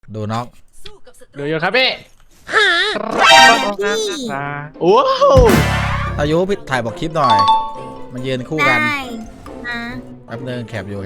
ดูน็อกดูอยู่ครับพี่โอ้อายุพี่ถ่ายบอกคลิปหน่อยมันยืนคู่กันได้นะแป๊บนึงแคปอยู่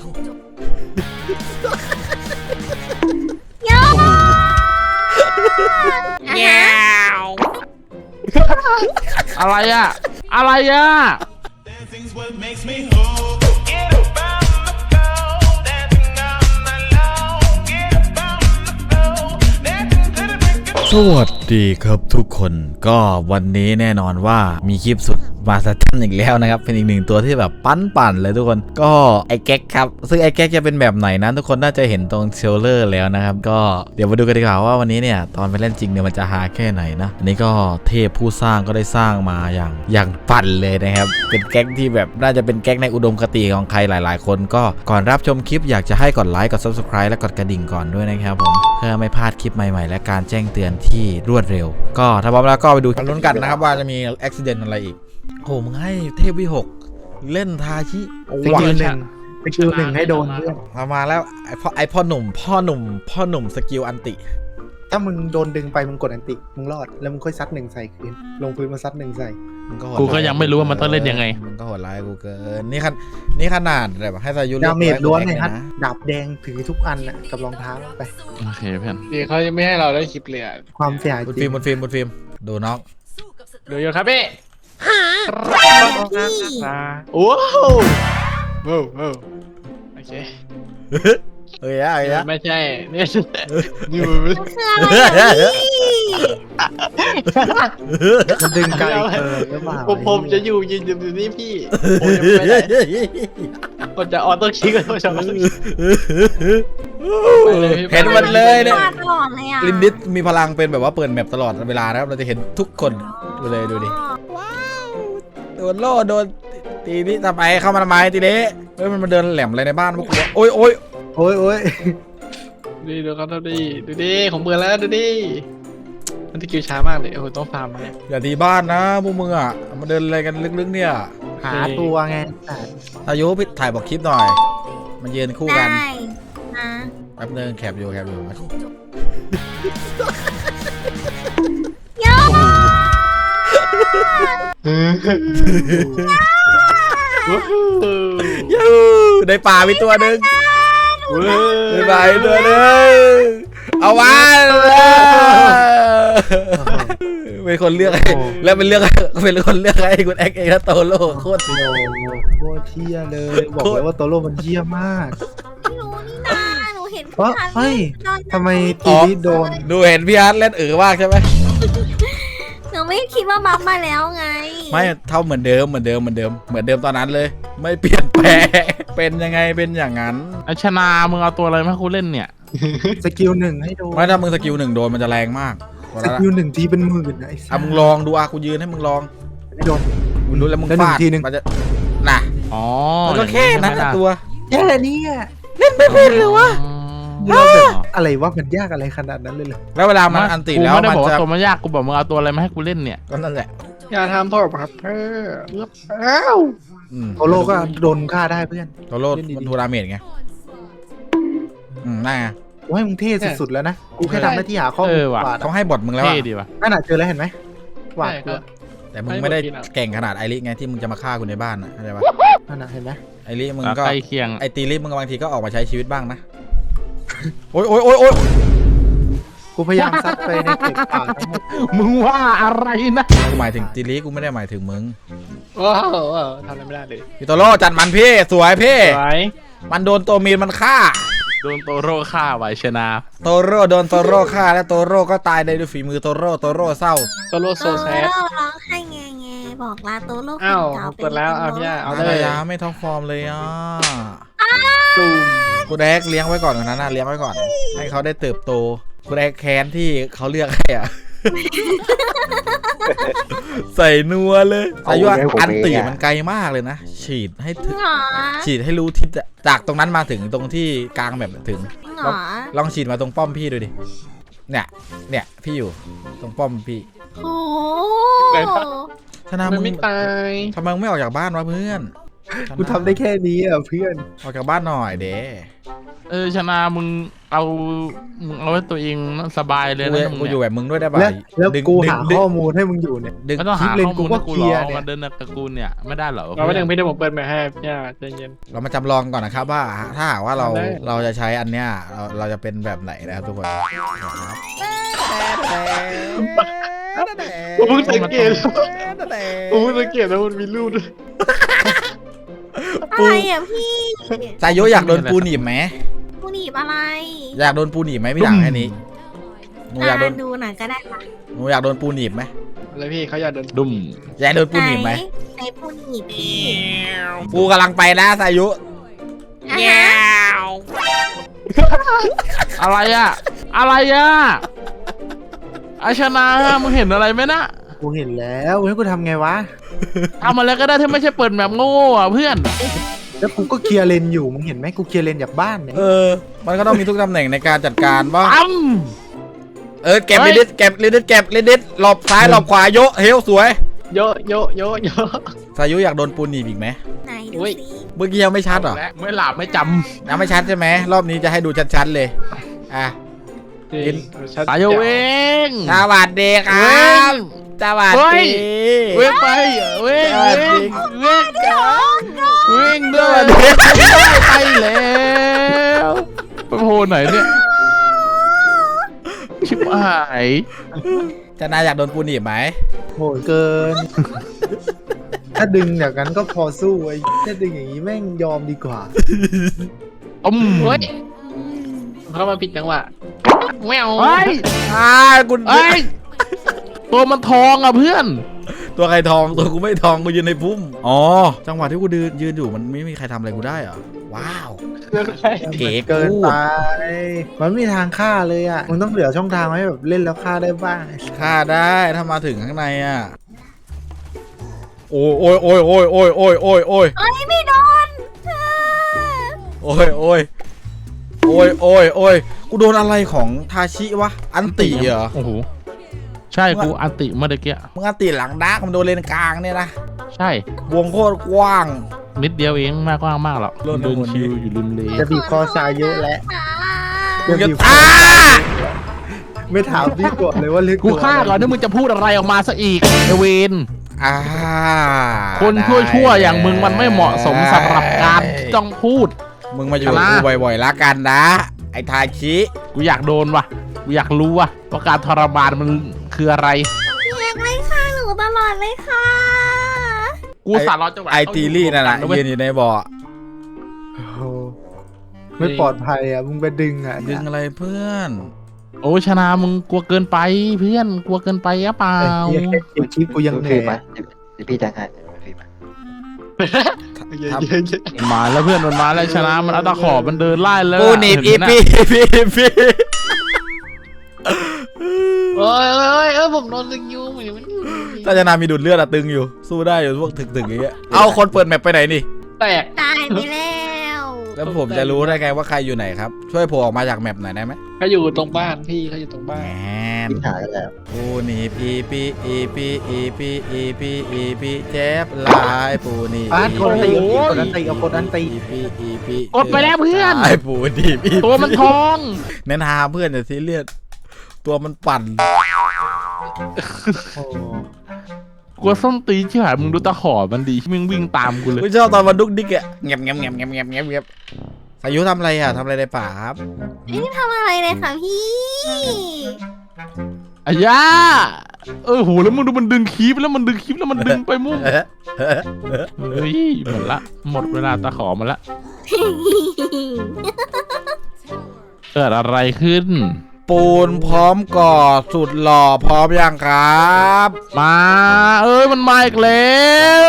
โยแง่อะไรอะอะไรอะสวัสดีครับทุกคนก็วันนี้แน่นอนว่ามีคลิปสุดมาสตันอีกแล้วนะครับเป็นอีกหนึ่งตัวที่แบบปั่นเลยทุกคนก็ไอแก๊กครับซึ่งไอแก๊กจะเป็นแบบไหนนั้นทุกคนน่าจะเห็นตรงเทรลเลอร์แล้วนะครับก็เดี๋ยวมาดูกันดีกว่าว่าวันนี้เนี่ยตอนไปเล่นจริงเนี่ยมันจะฮาแค่ไหนนะอันนี้ก็เทพผู้สร้างก็ได้สร้างมาอย่างปั่นเลยนะครับเป็นแก๊กที่แบบน่าจะเป็นแก๊กในอุดมคติของใครหลายๆคนก็ก่อนรับชมคลิปอยากจะให้กดไลค์กด Subscribe และกดกระดิ่งก่อนด้วยนะครับผมเพื่อไม่พลาดคลิปใหม่ๆและการแจ้งเตือนที่รวดเร็วก็ถ้าพร้อมแล้วก็ไปดูกันลุ้นกันนะครับว่าจะมีอุบิเหตุอะไรอีกโอ้มึงให้เทพวิหกเล่นทาชิสกิลหนึ่งให้โดนเพื่อนมาแล้วไอพ่อหนุ่มสกิลอันติถ้ามึงโดนดึงไปมึงกดอันติมึงรอดแล้วมึงค่อยซัดหนึ่งใส่คืนลงพื้นมาซัดหนึ่งใส่กูก็ยังไม่รู้ว่ามันต้องเล่นยังไงมึงก็โหดร้ายกูเกินนี่ขนาดแบบให้สายุดาเมจล้วนเลยฮะดาบแดงถือทุกอันน่ะกับรองเท้าไปโอเคเพื่อนดีเขาไม่ให้เราได้คลิปเลยความเสียหายบนฟิล์มดูน็อกดูอยู่ครับพี่โอ้โหโอเคเฮ้ยไม่ใช่เนี่ยนี่มันดึงไกลผมจะยืนอยู่นี่พี่ผมจะไม่ได้ผมจะออโต้คลิกเลยผมจะเห็นมันเลยเนี่ยตลอดเลยอ่ะลินดิสมีพลังเป็นแบบว่าเปิดแมปตลอดเวลานะครับเราจะเห็นทุกคนเลยดูดิว้าวโดนโล่โดนตีนี่ทำไมเข้ามาทำไมตีเละเฮ้ยมันมาเดินแหลมอะไรในบ้านพวกกูโอ้ยดีดูเขาดูดิผมเบื่อแล้วดูดิมันสกิลช้ามากเลยโอ้โหต้องฟาร์มมาเนี่ยอย่าตีบ้านนะพวกมึงอ่ะมาเดินอะไรกันลึกๆเนี่ยหาตัวไงอายุพี่ถ่ายบอกคลิปหน่อยมันยืนคู่กันได้นะแป๊บนึงแคปอยู่โยยูได้ป่าไปตัวหนึ่งได้ป่าไปตัวหนึ่งเอาไว้เป็นคนเลือกแล้วเป็นคนเลือกให้คุณแอ็กเองนะโตโร่โคตรเที่ยเลยบอกเลยว่าโตโร่มันเยี่ยมมากรู้นี่นะหนูเห็นว่าเฮ้ยทำไมทีนี้โดนดูเห็นพี่อาร์ตเล่นมากใช่ไหมหนูไม่คิดว่าบัฟมาแล้วไงไม่เท่าเหมือนเดิมตอนนั้นเลยไม่เปลี่ยนแปลงเป็นยังไงเป็นอย่างนั้นไอชนะมึงเอาตัวอะไรมาให้กูเล่นเนี่ยสกิลหนึ่งให้โดนไม่ถ้ามึงสกิลหนึ่งโดนมันจะแรงมากสกิลหนึ่งทีเป็นหมื่นนะมึงลองดูกูยืนให้มึงลองไม่โดนมึงรู้แล้วมึงฟาดทีนึงมันจะน่ะอ๋อมันก็แค่นั้นตัวแค่นี้เล่นไม่เป็นหรือวะอะไรวะมันยากอะไรขนาดนั้นเลยเหรอแล้วเวลามันอันติแล้วมันจะตัวมันยากกูบอกมึงเอาตัวอะไรมาให้กูเล่นเนี่ยก็นั่นแหละอย่าทำพ่อครับเพื่อโตโร่ก็โดนฆ่าได้เพื่อนโตโร่มันทูราเมจไงน่าโอ้ยมึงเท่สุดๆแล้วนะกูแค่ทำหน้าที่หาข้อมูลเขาให้บทมึงแล้วดีว่ะนั่นน่ะเจอแล้วเห็นไหมว่าแต่มึงไม่ได้เก่งขนาดไอริไงที่มึงจะมาฆ่ากูในบ้านนะเข้าใจปะนั่นน่ะเห็นไหมไอริมึงก็ไอตีริมึงบางทีก็ออกมาใช้ชีวิตบ้างนะโอ้ยกูพยายามซัดไปในเก็บปากมึงว่าอะไรนะกูหมายถึงตีริกูไม่ได้หมายถึงมึงว้าวทำอะไรไม่ได้เลยพี่โตโร่จัดมันพี่สวยพี่มันโดนตัวมีนมันฆ่าโดนโตโร่ฆ่าไว้ชนะโตโร่โดนโตโร่ฆ่าและโตโร่ก็ตายด้วยฝีมือโตโร่เศร้าโตโร่โซแซดร้องให้แงบอกลาโตโร่อ้าวเปิดแล้วเอาเนี่ยเอาเลยไม่ท็อปฟอร์มเลยกูแดกเลี้ยงไว้ก่อนนะเลี้ยงไว้ก่อนให้เขาได้เติบโตกูแดกแค้นที่เขาเลือกให้ใส่นัวเลยอายุอันตีมันไกลมากเลยนะฉีดให้รู้ทิศจากตรงนั้นมาถึงตรงที่กลางแบบถึงลองฉีดมาตรงป้อมพี่ดูดิเนี่ยพี่อยู่ตรงป้อมพี่โอ้ชนะมึงไม่ตายทำไมมึงไม่ออกจากบ้านวะเพื่อนกูทำได้แค่นี้อ่ะเพื่อนออกจากบ้านหน่อยเด้ชนะมึงเอาไว้ตัวเองสบายเลยนะมึงกูเนี่อยู่แบบมึงด้วยได้ป่ะแล้วดึงกูหาดึงข้อมูลให้มึงอยู่เนี่ยดึงไม่ต้องหาคลิปเลนข้อกูมูลก็ให้กูเคหรลีอยร์กเนี่ยมาเดินกับกูเนี่ยไม่ได้เหรอเราไม่ถึงพี่เดี๋ยวผมเปิดแมปให้พี่ใจเย็นเรามาจำลองก่อนนะครับว่าถ้าหากว่าเราได้เราจะใช้อันเนี้ยเราจะเป็นแบบไหนนะครับทุกคนผมเพิ่งสังเกตผมเพิ่งสังเกตแล้วมันมีรูปด้วยอะไรอ่ะพี่สายโยอยากโดนปูหนีบไหมผู้หนีบอะไรอยากโดนปูหนีบไหมพี่หลังแค่นี้หนูอยากโดนดูหน่อยก็ได้ค่ะหนูอยากโดนปูหนีบไหมแล้วพี่เขาอยากเดินดุมอยากโดนปูหนีบไหมในผู้หนีบพี่ปูกำลังไปนะสายุอ่ะฮะอะไรอะไอชนะมึงเห็นอะไรไหมนะกูเห็นแล้วให้กูทำไงวะทำอะไรก็ได้ที่ไม่ใช่เปิดแบบโง่อะเพื่อนแล้วกูก็เคลียร์เลนอยู่มึงเห็นไหมกูเคลียร์เลนจากบ้านเนี่ยมันก็ต้องมีทุกตำแหน่งในการจัดการบ้างตั้มเก็บเฮ้ลิยดิสเก็บลิดิสเก็บลิดิสหลบซ้ายหลบขวาโยเฮลสวยโยโยโยโยสายุอยากโดนปูหนีบอีกไหมไหนดูอุ๊ยสิเมื่อกี้ยังไม่ชัดเหรอและไม่หลับไม่จยังไม่ชัดใช่ไหมรอบนี้จะให้ดูชัดๆเลยอ่ะจริงำตายเวงสวัสดีครับสวัสเฮ้ยดีเวงไปเวงสวัสดีเวงเวงเดินไปแล้วไปโผล่ไหนเนี่ยชิบหายจะนายอยากโดนปูหนีบไหมโหดเกิน ถ้าดึงอย่างนั้นก็พอสู้ไอ้ถ้าดึงอย่างนี้แม่งยอมดีกว่าเฮ้ยเข้ามาผิดจังหวะแมวเฮ้ยคุณเฮ้ยตัวมันทองอ่ะเพื่อนตัวใครทองตัวกูไม่ทองกูยืนในพุ่มอ๋อจังหวะที่กูยืนอยู่มันไม่มีใครทำอะไรกูได้เหรอว้าว เก๋เกินกูไป มันไม่มีทางฆ่าเลยอ่ะ มึงต้องเหลือช่องทางให้แบบเล่นแล้วฆ่าได้บ้างฆ่าได้ถ้ามาถึงข้างในอ่ะโอ้ยโอ้ยโอ้ยโอ้ยโอ้ยโอ้ยโอ้ยโอ้ยเอ้ยไม่โดนโอ้ยโอ้ยโอ้ยโอ้ยโอ้ยกูโดนอะไรของทาชิวะอันติเหรอโอ้โหใช่กูอันติเมื่อกี้มึงอันติหลังดาร์กมันโดนเลนกลางเนี่ยนะใช่วงโคตรกว้างนิดเดียวเองมากกว้างมากหรอกเริ่มเดินวนชิวอยู่ริมเลจะบีบคอซายเยอะแล้วมึงจะบีบอ้าไม่ถามพี่ก่อนเลยว่าเลือกกูฆ่าก่อนที่มึงจะพูดอะไรออกมาซะอีกไอเวนอ่าคนชั่วๆอย่างมึงมันไม่เหมาะสมสำหรับการที่ต้องพูดมึงมาอยู่กับชนะกูบ่อยๆละกันนะ ไอ้ทาชิกูอยากโดนว่ะกูอยากรู้ว่ะว่าการทรมานมันคืออะไรเรียกเลยค่ะหนูตลอดเลยค่ะกูสารรอจังหวะไอตีลี่นั่นแหละเว้ยยืนอยู่ในบ่อโอ้โหไม่ปลอดภัยอ่ะ มึงไปดึงอ่ะดึงอะไรเพื่อนโอ้ชนะมึงกลัวเกินไปเพื่อนกลัวเกินไปหรือเปล่าไอ้เหี้ยแค่เก็บคลิปกูยังเหนื่อยไหมอะเดี๋ยวพี่จะให้ฟรีไหมเยอะมาแล้วเพื่อนมันมาแล้วชนะมันเอาตะขอบมันเดินไล่แล้วกูหนีบอีเห็นไหมปีน่ะอีปีโอ้ยผมโดนลึงยูเหมือนมันถ้าจะนามีดูดเลือดอะตึงอยู่ สู้ได้อยู่พวกถึกๆอย่างเงี้ย เอาคนเปิดแมปไปไหนนี่แตกตายไปแล้วแล้วผมจะรู้ได้ไงว่าใครอยู่ไหนครับ ช่วยโผล่ออกมาจากแมปหน่อยได้ไหมเขาอยู่ตรงบ้านพี่เขาอยู่ตรงแหบ้านมพี่หากันแล้วปูหนีบอีปีอีปีอีปีอีปีอีปีเจ็บหลายปูหนีบอ่ะกดอันตีกดอันตีเอากดอันตีอีปีอีปีกดไปแล้วเพื่อนไอ้ปูหนีบอีปีตัวมันทองเน้นหาเพื่อนอย่าซีเรียสตัวมันปั่นโอ้กลัวส้มตีนชิบหายมึงดูตะขอมันดีมึงวิ่งตามกูเลยกูชอบตอนมันดุกดิกอะเงียบเงียบเงียบเงียบเงียบเงียบเงียบสายุทำอะไรอะทำอะไรในป่าครับไม่ได้ทำอะไรเลยค่ะพี่อายาโหแล้วมึงดูมันดึงคลิปแล้วมันดึงคลิปแล้วมันดึงไปมุ่งเฮ้ยหมดละหมดเวลาตะขอมาละเกิดอะไรขึ้นปูนพร้อมก่อสุดหล่อพร้อมยังครับมามันมาอีกแล้ว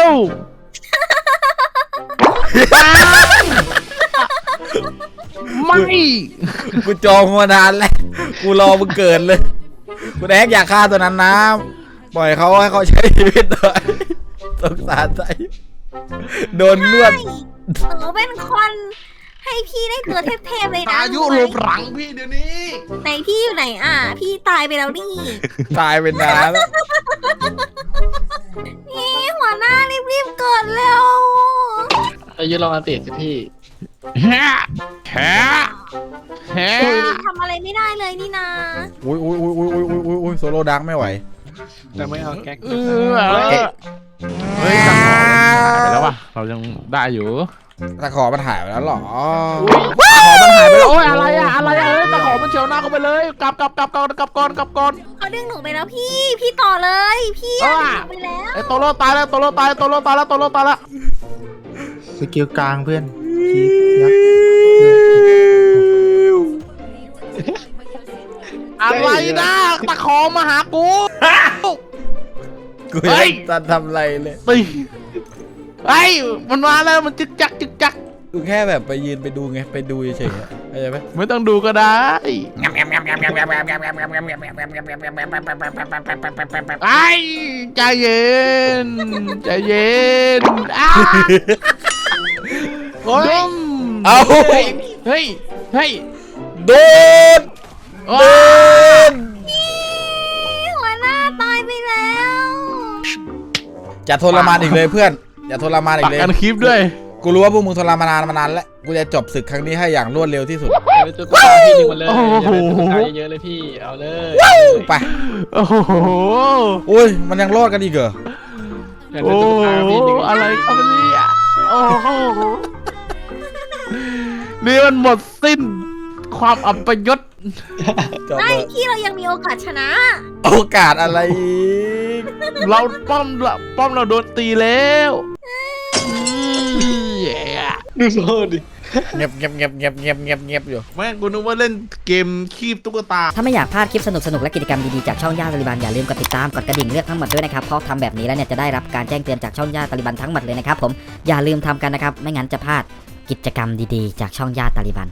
ไม่กูจองมานานแล้วกูรอมึงเกิดเลยกูแดกอยากฆ่าตัวนั้นนะปล่อยเขาให้เขาใช้ชีวิตหน่อยสงสารใจโดนนวดหนูเป็นคนให้พี่ได้ตัวเทพๆเลยนะอายุหลบหลังพี่เดี๋ยวนี้ไหนพี่อยู่ไหนอ่ะ พี่ตายไปแล้วนี่ตายเป็นนานแล้วนี่หัวหน้ารีบๆเกิดเร็วอายุลองอันติสิพี่แฮะแฮะแฮะทำอะไรไม่ได้เลยนี่นาอุ้ยโซโล่ดักไม่ไหวแต่ไม่เอาแก๊กเฮ้ยตะขอมันหายไปแล้วว่ะเรายังได้อยู่ตะขอมันหายไปแล้วเหรอตะขอมันหายไปแล้วโอ้ยอะไรอะอะไรอะเอ้ยตะขอมันเฉียวหน้าเข้าไปเลยกลับก่อนเขาดึงหนูไปแล้วพี่ต่อเลยพี่อะดึงหนูไปแล้วไอ้โตโร่ตายแล้วโตโร่ตายแล้วสกิลกลางเพื่อนคีบยักษ์อะไรนะตะขอมาหากูกูเฮ้ยังยจะทำอะไรเลยตีไอ้ยมันมาแล้วมันจึกจักกูแค่แบบไปยืนไปดูไงไปดูเฉยๆอะเข้าใจไหมไม่ต้องดูก็ได้ไอ้ใจเย็นอ้าโอ้ยเอาเฮ้ยโดนโอ้โดยนหัวหน้าตายไปแล้วอย่าทรมานอีกเลยเพื่อนอย่าทรมานอีปักกเลยกันคลิปด้วยกูรู้ว่าพวกมึงทรมานมานานแล้วกูจะจบศึกครั้งนี้ให้อย่างรวดเร็วที่สุดเลยตุ๊กตาพี่ดึงมาเลยอย่าเลยตุ๊กตาเยอะๆเลยพี่เอาเลยไปโอ้โหอุ้ยมันยังรอดกันอีกเหรออย่าเลยโอ้ตุ๊กตาพี่ดึงอะไรครับเนี่ยโอ้โหนี่มันหมดสิ้นความอัปยศจบไม่เลยพี่เรายังมีโอกาสชนะโอกาสอะไรอีกเราป้อมเราโดนตีแล้วแย่ดูโซ่ดิเงียบอยู่แม่งกูนึกว่าเล่นเกมคีบตุ๊กตาถ้าไม่อยากพลาดคลิปสนุกๆ และกิจกรรมดีๆ จากช่องย่าตาลิบันอย่าลืมกดติดตามกดกระดิ่งเลือกทั้งหมดด้วยนะครับ เพราะทำแบบนี้แล้วเนี่ยจะได้รับการแจ้งเตือนจากช่องย่าตาลิบันทั้งหมดเลยนะครับผมอย่าลืมทำกันนะครับ ไม่งั้นจะพลาดกิจกรรมดีๆ จากช่องย่าตาลิบัน